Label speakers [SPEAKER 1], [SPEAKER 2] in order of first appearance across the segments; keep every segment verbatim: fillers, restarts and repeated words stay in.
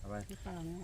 [SPEAKER 1] ไป
[SPEAKER 2] ที่เปล่าเนี่ย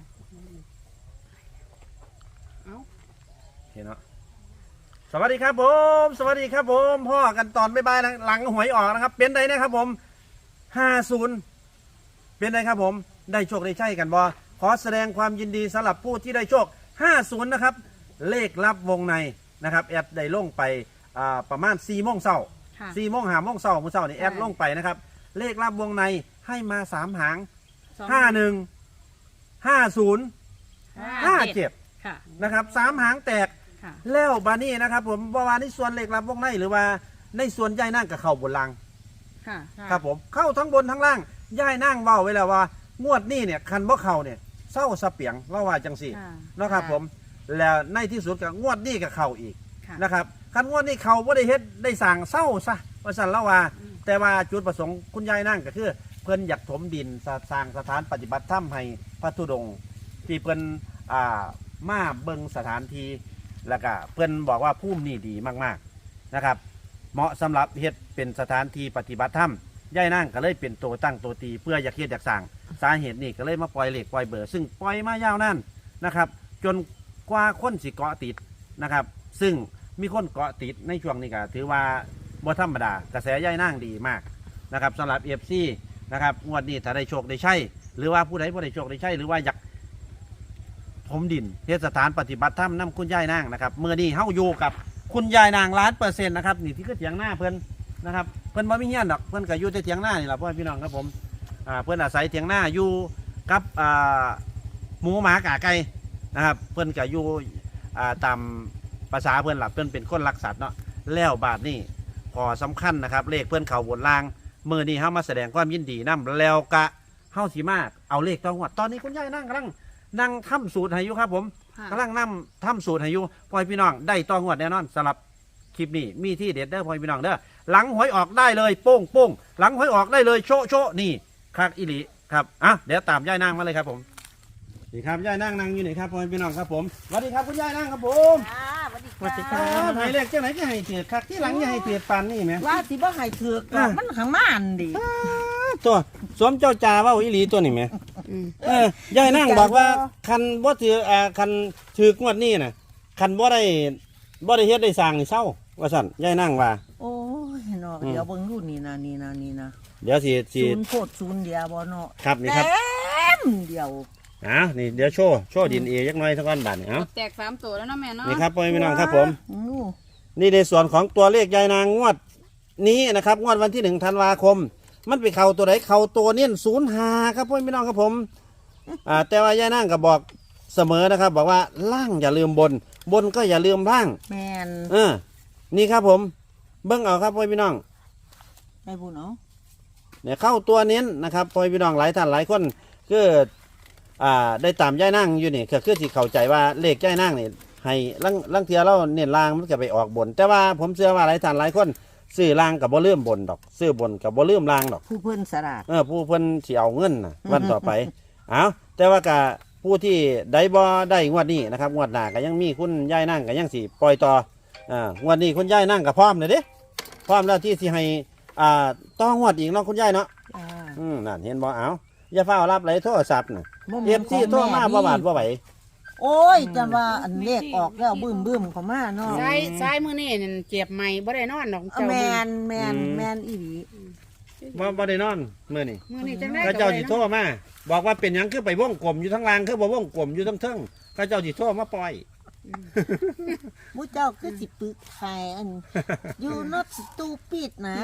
[SPEAKER 2] เอ้า
[SPEAKER 1] โอเคเนาะสวัสดีครับผมสวัสดีครับผมพ่อกันตอนบ๊ายบายหลังหวยออกนะครับเป็นไงนะครับผมห้าศูนย์เป็นไงครับผมได้โชคได้ใช่กันบ่ขอแสดงความยินดีสำหรับผู้ที่ได้โชคห้าศูนย์นะครับเลขลับวงในนะครับแอดได้ลงไปประมาณสี่โมงเช้าสี่โมงห้าโมงเช้ามื้อเช้านี่แอดลงไปนะครับเลขลับวงในให้มาสามหางห้าหนึ่งห้าศูนย์ห้าเจ็ดนะครับสามหางแตกแล้วบานี่นะครับผมว่าในส่วนเลขลับวงในหรือว่าในส่วนย่ายนั่งกับเข่าบนล่างครับผมเข้าทั้งบนทั้งล่างย่ายนั่งเว้าไว้แล้วว่างวดนี้เนี่ยคันบ่เข่าเนี่ยเศร้าสะเปียงเล่าว่าจังสี่นะครับผมแล้วในที่สุดกับงวดนี้กับเข่าอีกนะครับคันงวดนี้เข่าบ่ได้เฮ็ดได้สั่งเศร้าซะว่าสั่นเล่าว่าแต่ว่าจุดประสงค์คุณยายนั่งก็คือเพิ่นอยากถมดินสร้างสถานปฏิบัติธรรมให้พระธุดงค์ที่เพิ่นอ่ามาเบิ่งสถานที่แล้วก็เพื่อนบอกว่าภูมินี่ดีมากๆนะครับเหมาะสำหรับเฮ็ดเป็นสถานที่ปฏิบัติธรรมย่ายนั่งก็เลยเป็นตัวตั้งตัวตีเพื่ออยากเฮ็ดอยากสั่งสาเหตุนี่ก็เลยมาปล่อยเหล็กปล่อยเบอร์ซึ่งปล่อยมายาวนั่นนะครับจนกว่าคนสิเกาะติดนะครับซึ่งมีคนเกาะติดในช่วงนี้ก็ถือว่าบ่ธรรมดากระแสย่ายนั่งดีมากนะครับสำหรับเอฟซีนะครับงวดนี้ถ้าได้โชคได้ใช่หรือว่าผู้ใดผู้ใดโชคได้ใช่หรือว่าอยากผมดินเทศสถานปฏิบัติธรรมน้ำคุณยายนางนะครับเมื่อนี้เฮาอยู่กับคุณยายนางล้านเปอร์เซ็นต์นะครับนี่ที่ก็เถียงหน้าเพื่อนนะครับเพื่อนบ่มีเงี้ยนดอกเพื่อนก็อยู่ที่เถียงหน้านี่แหละพ่อพี่น้องครับผมอ่าเพื่อนอาศัยเถียงหน้าอยู่กับอ่าหมูหมากาไก่นะครับเพื่อนก็อยู่อ่าตามภาษาเพื่อนหลับเพื่อนเป็นคนรักสัตว์เนาะแล้วบาทนี่พอสำคัญนะครับเลขเพื่อนเขาบนล่างเมื่อนี้เฮามาแสดงความยินดีนํแล้วกะเฮาสีมากเอาเลขต้องวัดตอนนี้คุณยายนั่งกำลังนั่งทำสูตรให้อยู่ครับผมกำลังนั่งทำสูตรให้อยู่พ่อพี่น้องได้ต้องงวดแน่นอนสำหรับคลิปนี้มีที่เด็ดเด้อพ่อพี่น้องเด้อหลังหวยออกได้เลยโป้งโป้งหลังหวยออกได้เลยโชโชนี่คักอิลิครับอ่ะเดี๋ยวตามย่ายนั่งมาเลยครับผมนี่ครับย่ายนั่งนั่งอยู่ไหนครับพ่อพี่น้องครับผมสวัสดีครับคุณย่ายนั่งครับผมสวัสดีครับหายเลขจังไหนจะให้เถื่อคักที่หลังจะให้เถื่อปันนี่ไหม
[SPEAKER 2] ว่าสิบ่ให้ถือกมันขังม่านดิ
[SPEAKER 1] ตัวสวมเจ้าจ่าว่าอิลีตัวนี่ไหมเออยายนั่งบอกว่าคันบ่ถืออ่าคันถือกงวดนี้น่ะคันบ่ได้บ่ได้เฮ็ดได้สร้างนี่เศร้าว่าสั่นยายนั่งว่า
[SPEAKER 2] โอ้ยเนาะเดี๋ยวเบิ่งดูนี่นะนี่นะนี่นะ
[SPEAKER 1] เดี๋ยวสิสิ
[SPEAKER 2] ศูนย์โคตรศูนย์เดียวบ่เนาะ
[SPEAKER 1] ครับนี่ครับ
[SPEAKER 2] เต็มเดียว
[SPEAKER 1] อ้าวนี่เดี๋ยวโชว์โชว์ดินเอยักหน่อยสักก้อนบาทนี่เอ้า
[SPEAKER 3] แตกสามตัวแล้วนะแม่เนาะ
[SPEAKER 1] นี่ครับพ่อพี่น้องครับผมนี่ในส่วนของตัวเลขยายนางงวดนี้นะครับงวดวันที่หนึ่งธันวาคมมันไปเข่าตัวไหนเข่าตัวเน้นศูนย์หาครับพ่อพี่น้องครับผมอ่าแต่ว่ายายนั่งก็บอกเสมอนะครับบอกว่าล่างอย่าลืมบนบนก็อย่าลืมล่าง
[SPEAKER 2] แมน
[SPEAKER 1] เออนี่ครับผมเบิ้งเอาครับพ่อพี่น้อง
[SPEAKER 2] ได้บุญเนาะ
[SPEAKER 1] เนี่ยเข้าตัวเน้นนะครับพ่อพี่น้องหลายท่านหลายคนก็อ่าได้ตามยายนั่งอยู่นี่คือคือที่เข้าใจว่าเลขยายนั่งนี่ให้ลังลังเทียเราเน้นล่างมันก็ไปออกบนแต่ว่าผมเชื่อว่าหลายท่านหลายคนซื้อล่างกับบ่เลื่อมบนดอกซื้อบนกับบ่เลื่อมล่างดอก
[SPEAKER 2] ผู้เพิ่นสลาด
[SPEAKER 1] เออผู้เพิ่นสิเอาเงินนะวันต่อไปเอาแต่ว่ากะผู้ที่ได้บ่ได้งวดนี้นะครับงวดหน้าก็ยังมีคุณยายนั่งก็ยังสิปล่อยต่ออ่างวดนี้คุณยายนั่งก็พร้อมเลยเด้พร้อมแล้วที่สิให้อ่าต้องงวดอีกเนาะคุณยายเนาะอืมนั่นเห็นบ่เอาอย่าเฝ้ารับไหลโทรศัพท์น่ะเอฟซีโทรมาบ่บาดบ่ไหว
[SPEAKER 2] โอ้ยแต่ว่าอันเลขออกแล้วบึ้มบึ้มเข้ามาเนาะ
[SPEAKER 3] ซ้ายซ้ายมือนี่เจ็บใหม่บ่ได้นอนดอก
[SPEAKER 2] เจ้าแมนแมนแมนอีหลี
[SPEAKER 1] บ่บ่ได้นอนมื้อนี้
[SPEAKER 3] มื้อนี้จังได๋
[SPEAKER 1] เขาเจ้าสิโทรมาบอกว่าเป็นหยังคือไปวงกลมอยู่ทั้งล่างคือบ่วงกลมอยู่ทั้งเทิงเขาเจ้าสิโทรมาปล่อย
[SPEAKER 2] มูเจ้าคือสิปึกไข่อัน you not stupid นะ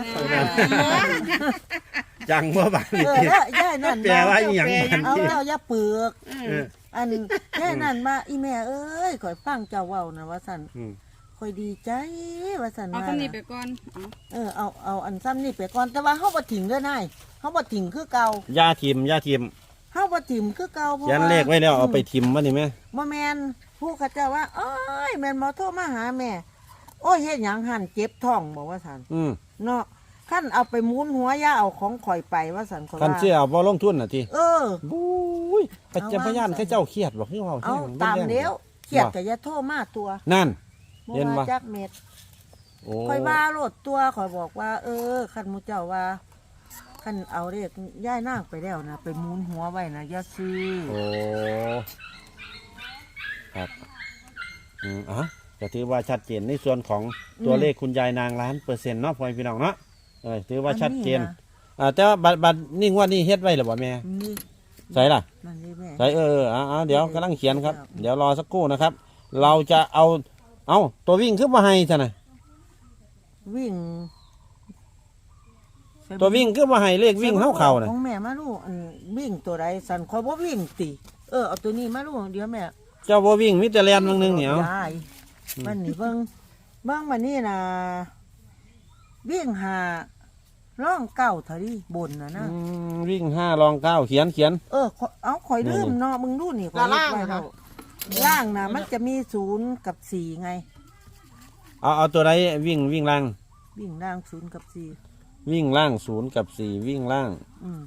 [SPEAKER 1] จังบ่บาดนี่
[SPEAKER 2] ย่านั่น
[SPEAKER 1] แปลว่าอีหยัง
[SPEAKER 2] เอาเจ้าอย่าปึกอันแค่นั้นมาอีแม่เอ้ยข่อยฟังเจ้าเว้านะว่าซั่นข่อยดีใจว่าซั่น
[SPEAKER 3] เอาซ้ำนี่ไปก่อน
[SPEAKER 2] เออเอาเอาอันซ้ำนี่ไปก่อนแต่ว่าเฮาบ่ทิ้งเด้อนายเฮาบ่ทิ้งคือเก่า
[SPEAKER 1] ย่าทิมย่าทิม
[SPEAKER 2] เฮาบ่ทิ้งคือเก่าเพราะ
[SPEAKER 1] ยันเลขไว้แล้วเอาไปทิมบ่นี่แม่
[SPEAKER 2] บ่แม่นผู้เขาเจ้าว่าโอ้ยแม่นบ่โทรมาหาแม่โอ้ยเฮ็ดหยังหั่นเจ็บท้องบอกว่าซั่น
[SPEAKER 1] อือ
[SPEAKER 2] เนาะคันเอาไปหมุนหัวย่าเอาของข่อยไปว่าซั่นข่อยว่า
[SPEAKER 1] คันสิเอาบ่ลงทุนน่ะติ
[SPEAKER 2] เออ
[SPEAKER 1] บุ้ยปัจจัยพยานเขาเจ้าเครียดบ่คือเว้า
[SPEAKER 2] เอาตามแล้วเครียดก็อย่าโทรมาตัว
[SPEAKER 1] นั่น
[SPEAKER 2] เห็นบ่จักเม็ดข่อยว่าโลดตัวข่อยบอกว่าเออคันหมู่เจ้าว่าคันเอาเลขย่ายนางไปแล้วนะไปหมุนหัวไว้นะอย่าซื้อ
[SPEAKER 1] โอ้ครับอืมอ่ะก็ถือว่าชัดเจนในส่วนของตัวเลขคุณยายนางล้านเปอร์เซ็นต์เนาะพ่อแม่พี่น้องเนาะเออถือว่าชัดเจน
[SPEAKER 2] อัะ
[SPEAKER 1] อ่าแต่ว่าบัดบัดนี่งวดนี้เฮ็ดไว้หรือบ่แม่
[SPEAKER 2] นี่
[SPEAKER 1] ใส่ล่ะ
[SPEAKER 2] นั่นนี่แม่
[SPEAKER 1] ใส่เออเออเอาเอาเดี๋ยวกำลังเขียนครับ เดี๋ยวรอสักครู่นะครับ เราจะเอาเอาตัววิ่งขึ้นมาให้ซะนะ
[SPEAKER 2] วิ่ง
[SPEAKER 1] ตัววิ่งขึ้นมาให้เลขวิ่งเข้าเข่านะ
[SPEAKER 2] ของแม่มาลูกอันวิ่งตัวใดสันคอยบ่วิ่งติเออเอาตัวนี้มาลูกเดี๋ยวแม่
[SPEAKER 1] เจ้าบ่วิ่งมิตรแลนบางนึงเหนียวย
[SPEAKER 2] ายมันนี่เบิ่งเบิ่งมันนี่นะวิ่งหาร่องเก้าเท่านี้บนนะนะ
[SPEAKER 1] อืมวิ่งห้ารองเก้าเขียนเขียน
[SPEAKER 2] เออขอเอาข่อยลืมเนาะมึงดูนี่ข่อย
[SPEAKER 3] ล่าง
[SPEAKER 2] ไว้
[SPEAKER 3] ล่าง
[SPEAKER 2] แล้วล่างนะมันจะมีศูนย์กับสี่ไง
[SPEAKER 1] เอาเอาตัวใดวิ่งวิ่งล่าง
[SPEAKER 2] วิ่งล่างศูนย์กับสี่
[SPEAKER 1] วิ่งล่างศูนย์กับสี่วิ่งล่าง
[SPEAKER 2] อืม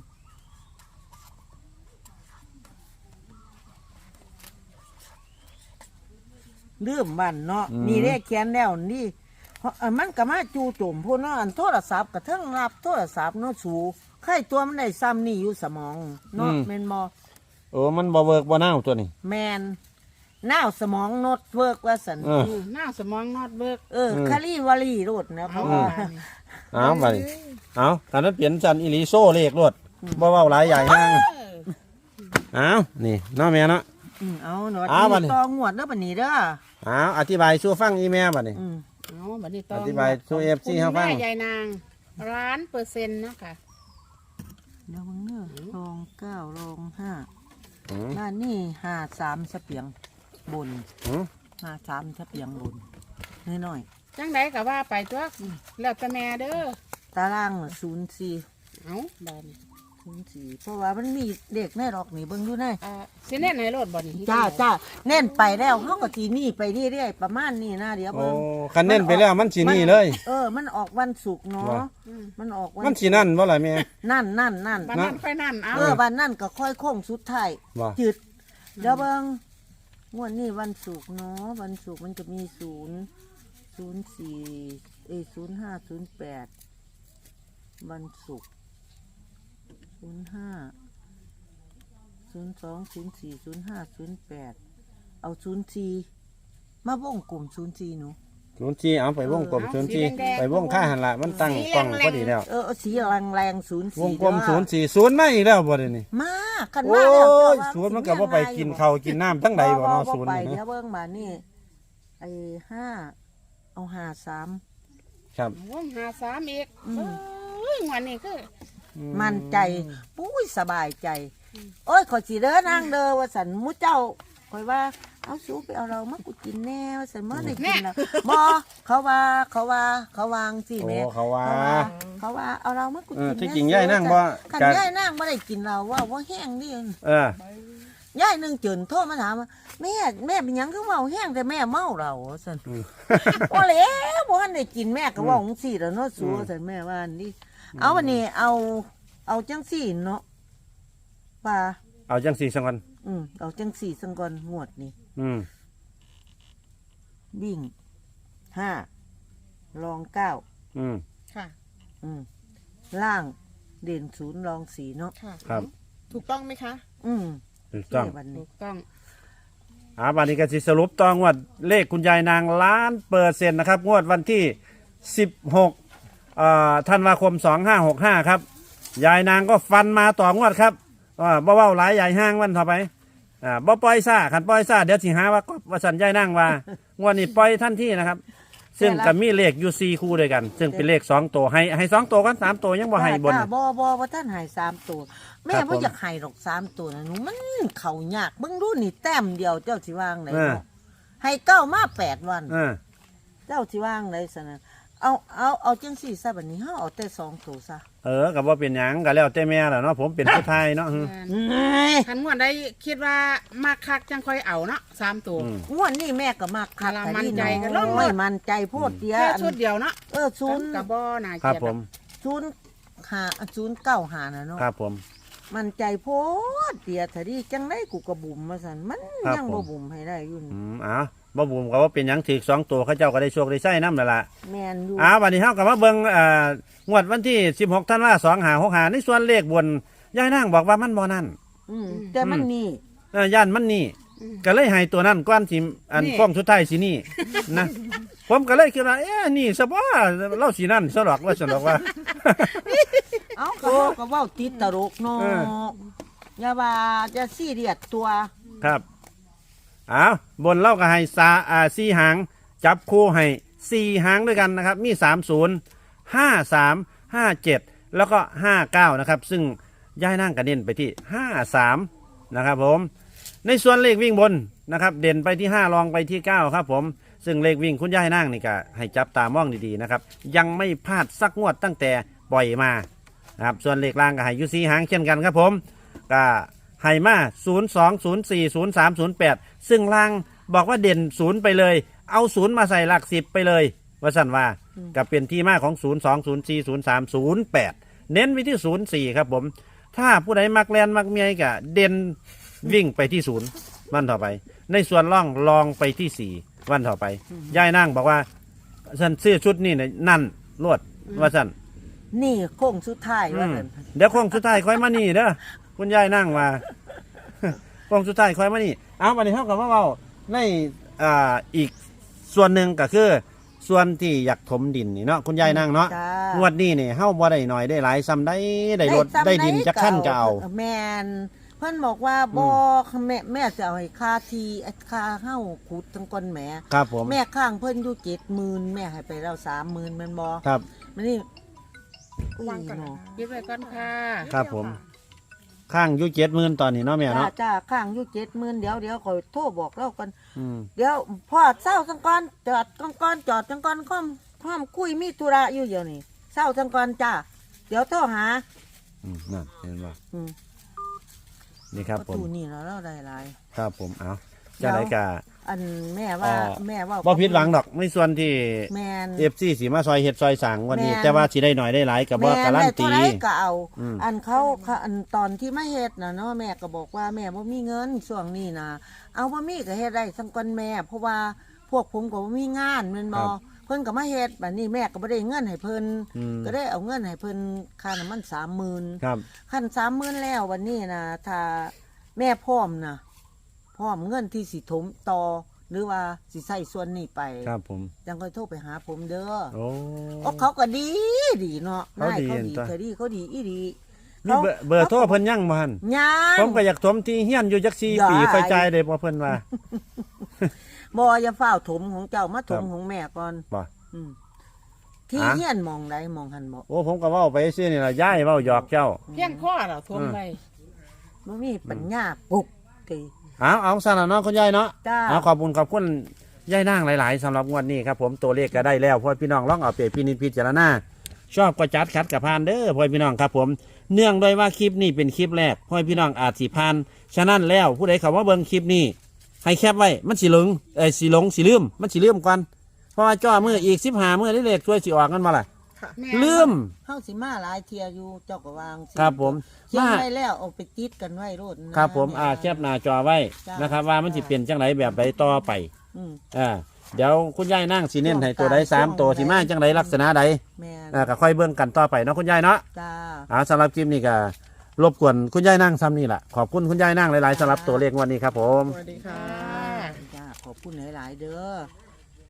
[SPEAKER 2] ลืมบ้านเนาะ
[SPEAKER 1] อืม
[SPEAKER 2] นี่เลขเขียนแล้วนี่เพราะอันมันก็มาจูโจมพวกเนาะอันโทรศัพท์กับเทิงรับโทรศัพท์เนาะสูไข่ตัวมันได้ซ้ำนี่อยู่สมองเนาะแมนบอ
[SPEAKER 1] โอ้มันบ่เวิร์กบ่น่าวตัวนี้
[SPEAKER 2] แมนน้าวสมองโนดเวิร์กว่าสัน
[SPEAKER 1] เออ
[SPEAKER 3] อืมหน้าสมองนอดเบิก
[SPEAKER 2] เออ
[SPEAKER 1] อืม
[SPEAKER 2] คารีวารีโรดนะเพ
[SPEAKER 3] เอา
[SPEAKER 2] ราะว่า
[SPEAKER 1] เอาไปเอาคันนั้นเปลี่ยนจันอิลิโซเลขรวดบ่เว้าหลายใหญ่ห้างเอานี่เนาะแม่เนาะ
[SPEAKER 2] อืมเอาหนวด
[SPEAKER 1] เอาบัดนี้
[SPEAKER 2] ตองหวดเด้อบัดนี้เด้อ
[SPEAKER 1] เอาอธิบายสู่ฟังอีแม่บัดนี้
[SPEAKER 2] อืม
[SPEAKER 3] เอาบัดนี้ต้อ
[SPEAKER 1] อง ธิบายสู่ เอฟ ซี
[SPEAKER 3] คุณ
[SPEAKER 1] เฮาฟัง
[SPEAKER 3] แม่ยายนางล้านเปอร์เซ็นต์เนาะค่ะ
[SPEAKER 2] เดี๋ยวมึงเน้อลองเก้าลองห้า
[SPEAKER 1] อืม
[SPEAKER 2] ด้านนี่ห้าสามสเปียงบน
[SPEAKER 1] อืม
[SPEAKER 2] ห้าสามสเปียงบนน้อย
[SPEAKER 3] จังไดก็ว่าไปตัวแล้วแต่แม่เด้อ
[SPEAKER 2] ๆตารางศูนย์สี่
[SPEAKER 3] เอาบาดนี้
[SPEAKER 2] ศูนย์สี่เพราะว่ามันมีเด็กแน่หรอกนี่เบิ่งดูแน่
[SPEAKER 3] อ่าสิเน่นให้รถบ่นี่
[SPEAKER 2] จ้าจ้าเน่นไปแล้วเขาก็จีนี่ไปเรื่อยๆประมาณนี้นะเดี๋ยว
[SPEAKER 1] โอ้
[SPEAKER 2] เบิ่ง
[SPEAKER 1] คันเน้นไปแล้วมันสินี่เลย
[SPEAKER 2] เออ มันออกวันศุกร์เนาะ
[SPEAKER 1] ว่า
[SPEAKER 3] อืม
[SPEAKER 2] มันออกวัน
[SPEAKER 1] มันสินั่นบ่ล่ะแม่
[SPEAKER 2] นั่นนั่นนั่น
[SPEAKER 3] บัดนั้นค่อยนั่นเอา
[SPEAKER 2] เออวันนั่นก็ค่อยโค้งสุดท้าย
[SPEAKER 1] ว่า
[SPEAKER 2] จืดเดี๋ยวเบิ่งงวดนี้วันศุกร์เนาะวันศุกร์มันจะมีศูนย์ศูนย์สี่เอยศูนย์ห้าศูนย์แปดวันศุกร์ศูนย์ห้าศูนย์สองศูนย์สี่ศูนย์ห้าศูนย์แปดเอาศูนย์สี่มาวงกลุ่มศูนย์สี่หนู
[SPEAKER 1] ศูนย์สี่เอาไปวงกลมศูนย์สี่ไปวงค่าหันละมันตั้งกล้องพอดีแล้ว
[SPEAKER 2] เออเอาสีแรงแรงศูนย์
[SPEAKER 1] ว
[SPEAKER 2] สี่
[SPEAKER 1] งกลมศูนย์สี่ศูนย์มาอีกแล้วบ่ได้นี่
[SPEAKER 2] มากัน
[SPEAKER 1] โอ้
[SPEAKER 2] มาแล้ว
[SPEAKER 1] ย
[SPEAKER 2] เจ้าว่า
[SPEAKER 1] ศูนย์มันก็บ่ไปกินข้าวกินน้ำทั้งใดบ่เนาะศูนย์
[SPEAKER 2] ไป
[SPEAKER 1] นี่
[SPEAKER 2] เดี๋ย
[SPEAKER 1] นะ
[SPEAKER 2] วเบิ่งมานี่ไอ้ห้าเอาห้าสาม
[SPEAKER 1] ครับ
[SPEAKER 3] วงหาสามอีก
[SPEAKER 2] อืม
[SPEAKER 3] เอ้ยงวันนี้คือ
[SPEAKER 2] มั่นใจปุ้ยสบายใจ โอ้ยขอยสิเด้อนางเด้อว่าสันหมุเจ้าคอยว่าเอาสูไปเอาเรามากูกินแน่ว่าสันเมื่อได้กินแล้วบ่เขาว่าเขาว่าเขาวางสิ
[SPEAKER 1] โอ้
[SPEAKER 2] แม่
[SPEAKER 1] เขาว่า
[SPEAKER 2] เขาว่าเอาเรามากู
[SPEAKER 1] เอ
[SPEAKER 2] กิ
[SPEAKER 1] อน ที่
[SPEAKER 2] แน่
[SPEAKER 1] จริงย่ายนั่งบ่
[SPEAKER 2] คัน
[SPEAKER 1] กะ
[SPEAKER 2] ย่ายนั่งบ่ได้กินเราว่าว่าแห้งดิ
[SPEAKER 1] เออ
[SPEAKER 2] ย่ายหนึงจืนโทษมาถามว่าแม่แม่เป็นหยังคือเมาแห้งแต่แม่เมาเราว่าสัน
[SPEAKER 1] อืม
[SPEAKER 2] ว่าแล้วบ่ทันได้กินแม่ก็เว่าจังซี่แล้วเนาะสัวสันแม่ว่าอันนี่เอาวันนี้เอาเอาจังซี่เนาะป่า
[SPEAKER 1] เอาจังสี่สังกัน
[SPEAKER 2] อืมเอาจังสี่สังกอนงวดนี่
[SPEAKER 1] อืม
[SPEAKER 2] วิ่งห้าลองเก้า
[SPEAKER 1] อืม
[SPEAKER 3] ค่ะ
[SPEAKER 2] อืมล่างเด่นศูนย์ลองสี่เนาะ
[SPEAKER 3] ค่ะ
[SPEAKER 1] ครับ
[SPEAKER 3] ถูกต้องไหมคะ
[SPEAKER 2] อืม
[SPEAKER 1] ถูกต้อง
[SPEAKER 2] นี่วัน
[SPEAKER 3] ถู
[SPEAKER 2] นี้
[SPEAKER 3] กต้อง
[SPEAKER 1] อ่าบัดนี้ก็สิสรุปต่องวดเลขคุณยายนางล้านเปอร์เซ็นต์นะครับ งวดวันที่สิบหกอ่าธันวาคมสองห้าหกห้าครับ ยายนางก็ฟันมาต่องวดครับอ่าบ่เว้าหลายใหญ่ห้างวันต่อไปอ่าบ่ปล่อยซ่าขันปล่อยซ่าเดี๋ยวสิหาว่าก็ว่าสันยายนางว่างวดนี้ปล่อยทันทีนะครับ ซึ่งก็มีเลขอยู่สี่คู่ด้วยกัน ซึ่งเป็นเลขสองตัวให้ให้สองตัวกันสามตัวยังบ่ให้บน
[SPEAKER 2] จ้าบ่บ่บ่ท่านใหายสามตัว แม่
[SPEAKER 1] ครับผม
[SPEAKER 2] ว่าอยากใหายหรอกสามตัวนะหนูมันเข่ายากเบิ่งดูนี่แต้มเดียวเจ้าสิว่างไหน
[SPEAKER 1] เออ
[SPEAKER 2] เนาะให้เก้ามาแปดวัน
[SPEAKER 1] เออ
[SPEAKER 2] เจ้าสิว่างไหนสนะเอาเอาเอาจังสี่ซะบัดนี้เฮาเอาแต่สองตัวซะ
[SPEAKER 1] เออกับว่าเป็นหยังก็แล้วแต่แม่แหละเนาะผมเป็นผู้ไทยเนาะอืม
[SPEAKER 2] เอ้ย
[SPEAKER 3] ทันงวดได้คิดว่ามาคักจังค่อยเอาเนาะสามตัว
[SPEAKER 1] อืม
[SPEAKER 2] งวดนี้แม่ก็มากคัก
[SPEAKER 3] เวลา
[SPEAKER 2] แต่
[SPEAKER 3] มั่น
[SPEAKER 2] นี่
[SPEAKER 3] ใจ
[SPEAKER 2] น้
[SPEAKER 3] ก็ลง
[SPEAKER 2] อ
[SPEAKER 3] เลย
[SPEAKER 2] ยมั่นใจโพดเดียว
[SPEAKER 3] แค่
[SPEAKER 2] อัน
[SPEAKER 3] ชุดเดียวเนาะ
[SPEAKER 2] เออศูนย์
[SPEAKER 3] กับบ่น่า
[SPEAKER 1] ครับ
[SPEAKER 3] เกลียด
[SPEAKER 1] ผม
[SPEAKER 2] ศูนย์หาศูนย์เก้าหานะเนาะ
[SPEAKER 1] ครับผม
[SPEAKER 2] มันใจโพดเดียถ้าดีจังได้กูกระบุ่มมาสันมัน
[SPEAKER 1] ครับ
[SPEAKER 2] ยัง
[SPEAKER 1] ผ
[SPEAKER 2] บ่
[SPEAKER 1] ม
[SPEAKER 2] บุ่มให้ได้อยุ่น
[SPEAKER 1] อืมเอ้าบ่บุ๋มก็ว่าเป็นหยังถือสองตัวเขาเจ้าก็ได้โชคได้ใช้น้ำนั่นล่ะ
[SPEAKER 2] แม่นอยู่
[SPEAKER 1] อ้าววันนี้เฮาก็มาเบิ่งเอ่องวดวันที่สิบหกธันวาคมสองห้าหกห้าในส่วนเลขบนยายนางบอกว่ามันบ่นั่น
[SPEAKER 2] อืมแต่มันนี่
[SPEAKER 1] เออย่านมันนี่ก็เลยให้ตัวนั้นก้อนสิอันฟ้องสุดท้ายสินี่นะ ผมก็เลยคิดว่าเอ๊ะนี่ซะบ่เล่าสินั่นซะดอกว่าซะดอกว่า
[SPEAKER 2] เอ้าก็บอกก็เว้าติดตลกเนาะ
[SPEAKER 1] เออ
[SPEAKER 2] อย่าว่าจะซีเรียสตัว
[SPEAKER 1] ครับอ้าวบนเล่าก็ให้สาอ่าสี่หางจับคู่ให้สี่หางด้วยกันนะครับ มีสามศูนย์ห้าสามห้าเจ็ดแล้วก็ห้าเก้านะครับ ซึ่งย้ายนั่งกระเด็นไปที่ห้าสามนะครับผมในส่วนเลขวิ่งบนนะครับ เด่นไปที่ห้ารองไปที่เก้าครับผมซึ่งเลขวิ่งคุณย้ายนั่งนี่ก็ให้จับตามองดีๆนะครับ ยังไม่พลาดสักงวดตั้งแต่ปล่อยมานะครับส่วนเลขล่างก็ให้อยูซีหางเช่นกันครับผมก็ให้มาศูนย์สองศูนย์สี่ศูนย์สามศูนย์แปดซึ่งล่างบอกว่าเด่นศูนย์ไปเลยเอาศูนย์มาใส่หลักสิบไปเลยว่าสั่นว่ากับเป็นที่มาของศูนย์สองศูนย์สี่ศูนย์สามศูนย์แปดเน้นไปที่ศูนย์สี่ครับผมถ้าผู้ใดมักแลนมักเมียก็เด่นวิ่งไปที่ศูนย์วันต่อไป ในส่วนล่องลองไปที่สี่วันต่อไปยายนั่งบอกว่าฉันซื้อชุดนี่เนี่ยนั่นรวดว่าสั่น
[SPEAKER 2] นี่โค้งสุดท้ายว่า
[SPEAKER 1] อืม
[SPEAKER 2] ซั่น
[SPEAKER 1] เดี๋ยวโค้งสุดท้ายค่อยมานี่เด้อคุณยายนั่งมา โค้งสุดท้ายค่อยมานี่เอาวันนี้เท่ากับว่าเราในอ่าอีกส่วนหนึ่งก็คือ ส่วนที่อยากถมดินนี่เนาะคุณยายนั่งเนาะ
[SPEAKER 2] จ้าง
[SPEAKER 1] วดนี้นี่เฮาบ่ได้หน่อยได้หลายซ้ำได้ได้รถได้ดินจะขั้นก็เอา
[SPEAKER 2] แม่นเพิ่นบอกว่าบ่แม่แม่จะเอาให้ค่าทีค่าเฮาขุดทั้งก้นแหม
[SPEAKER 1] ครับผม
[SPEAKER 2] แม่ข้างเพิ่นอยู่เจ็ดหมื่นแม่ให้ไปแล้วสามหมื่นแม่นบ่
[SPEAKER 1] ครับ
[SPEAKER 2] มันนี่
[SPEAKER 3] วางก่อน
[SPEAKER 2] เนาะ
[SPEAKER 3] ยึดไว้ก่อนค่ะ
[SPEAKER 1] ครับผม ข้างอยุเจ็ดหมื่นตอนนี้เนาะแม่
[SPEAKER 2] จ้า
[SPEAKER 1] เนาะ
[SPEAKER 2] จ้าข้างอยู่เจ็ดหมื่นเดี๋ยวเดี๋ยวคอยโทรบอกเล่ากัน
[SPEAKER 1] อืม
[SPEAKER 2] เดี๋ยวพ่อเศร้าจังก่อนจอดจังก่อนจอดจังก่อนค่อมค่อมคุยมีธุระอยู่เดี๋ยวนี้เศร้าจังก่อนจ้าเดี๋ยวโทรหา
[SPEAKER 1] อืมนั่นเห็นบ่
[SPEAKER 2] อืม
[SPEAKER 1] นี่ครับ
[SPEAKER 2] ประ
[SPEAKER 1] ผม
[SPEAKER 2] ตูนี่แล้วเราได้หลาย
[SPEAKER 1] ครับผมเอาจะได้กะ
[SPEAKER 2] อันแม่ว่า
[SPEAKER 1] อ่า
[SPEAKER 2] แม่ว่า
[SPEAKER 1] บ่ผิดหวังดอกในส่วนที่
[SPEAKER 2] แม่น
[SPEAKER 1] เอฟซีสีมาซอยเห็ดซอยสางวันนี้
[SPEAKER 2] แม่น
[SPEAKER 1] แต่ว่าสิได้หน่อยได้หลายกับว่า
[SPEAKER 2] แม่
[SPEAKER 1] การัน
[SPEAKER 2] ได้
[SPEAKER 1] ตี
[SPEAKER 2] เท่าไรก็เอา
[SPEAKER 1] อืม
[SPEAKER 2] อันเขาเขาอันตอนที่มาเฮ็ดน่ะเนาะแม่ก็บอกว่าแม่บ่มีเงินช่วงนี้นะเอาบ่มีก็เฮ็ดได้สังก่อนแม่ เพราะว่าพวกผมก็บ่มีงานแม่นบ่เพิ่นก็มาเฮ็ดบัดนี้แม่ก็บ่ได้เงินให้เพิ่น
[SPEAKER 1] อืม
[SPEAKER 2] ก็ได้เอาเงินให้เพิ่นค่าน้ำมันสามหมื่น
[SPEAKER 1] ครับ
[SPEAKER 2] คันสามหมื่นแล้ววันนี้นะถ้าแม่พร้อมนะพร้อมเงินที่สิถมต่อหรือว่าสิใส่ส่วนนี้ไป
[SPEAKER 1] ครับผม
[SPEAKER 2] ยังค่อยโทรไปหาผมเด้อ
[SPEAKER 1] โอ้
[SPEAKER 2] โอ้เขาก็ดีดีเนาะ
[SPEAKER 1] เขาดี
[SPEAKER 2] นายเขาดี
[SPEAKER 1] จ้ะ
[SPEAKER 2] เขาดีเขาดีอีดี
[SPEAKER 1] มีเบอร์เบอร์โทรเพิ่นยังบ่หั่น
[SPEAKER 2] ยัง
[SPEAKER 1] ผมก็อยากถมที่เฮียนอยู่จักสี่
[SPEAKER 2] อย่า
[SPEAKER 1] ปีไฟใจายได้บ่เพิ่นว่า
[SPEAKER 2] บออย่าเฝ้าวถมของเจ้ามาถม
[SPEAKER 1] ครับ
[SPEAKER 2] ของแม่ก่อน
[SPEAKER 1] บ่
[SPEAKER 2] อืมที่
[SPEAKER 1] อ่ะ
[SPEAKER 2] เฮียนมองใดมองหันบ่
[SPEAKER 1] โอ้ผมก็เว้าไปซื่อนี่ล่ะย้ายเว้าหยอกเจ้า
[SPEAKER 3] เพียงข้อเราทวมไว้
[SPEAKER 2] บ่มีปัญญาปลุกตี
[SPEAKER 1] เอาเอาซั่นล่ะเนาะคุณยายเนาะ
[SPEAKER 2] จ้า
[SPEAKER 1] เอาขอบคุณขอบคุณยายนางหลาย ๆสำหรับงวดนี้ครับผมตัวเลขก็ได้แล้วพ่อพี่น้องลองเอาไปพินิจพิจารณาชอบก็จัดคัดกับพานเด้อพ่อพี่น้องครับผมเนื่องด้วยว่าคลิปนี้เป็นคลิปแรกพ่อพี่น้องอาจสิพานฉะนั้นแล้วผู้ใดเขาว่าเบิ่งคลิปนี้ให้แคปไว้มันสิหลงเอ้ยสิหลงสิลืมมันสิลืมก่อนเพราะว่าจ้อมืออีกสิบห้ามือได้เลขช่วยสิออกกันมาล่ะ
[SPEAKER 3] แม่
[SPEAKER 1] ลืม
[SPEAKER 2] เฮาสิมาหลายเที่ยอยู่เจ้าก็วางสิ
[SPEAKER 1] ครับผม
[SPEAKER 2] เขียน
[SPEAKER 1] มา
[SPEAKER 2] ไว้แล้วเอาไปติดกันไว้โลดนะครับ
[SPEAKER 1] ผมอาแคปหน้าจอไว้
[SPEAKER 2] จ้าน
[SPEAKER 1] นะครับ ว่ามันสิเปลี่ยนจังไรแบบใดต่อไป
[SPEAKER 2] อืม
[SPEAKER 1] อ่าเดี๋ยวคุณยายนั่งสีเน้นให้ตัวใดสามตัวสีมาจังไรลักษณะใด
[SPEAKER 2] แม่น
[SPEAKER 1] อ่าก็ค่อยเบิ่งกันต่อไปเนาะคุณยายเนาะ
[SPEAKER 2] จ้า
[SPEAKER 1] อ่าสำหรับคลิปนี้ก็รบกวนคุณยายนั่งซ้ำนี่แหละขอบคุณคุณยายนั่งหลายๆสำหรับตัวเลขวันนี้ครับผม
[SPEAKER 3] สวัสดีค่ะ
[SPEAKER 2] จ้าขอบคุณหลาย ๆ เด้อ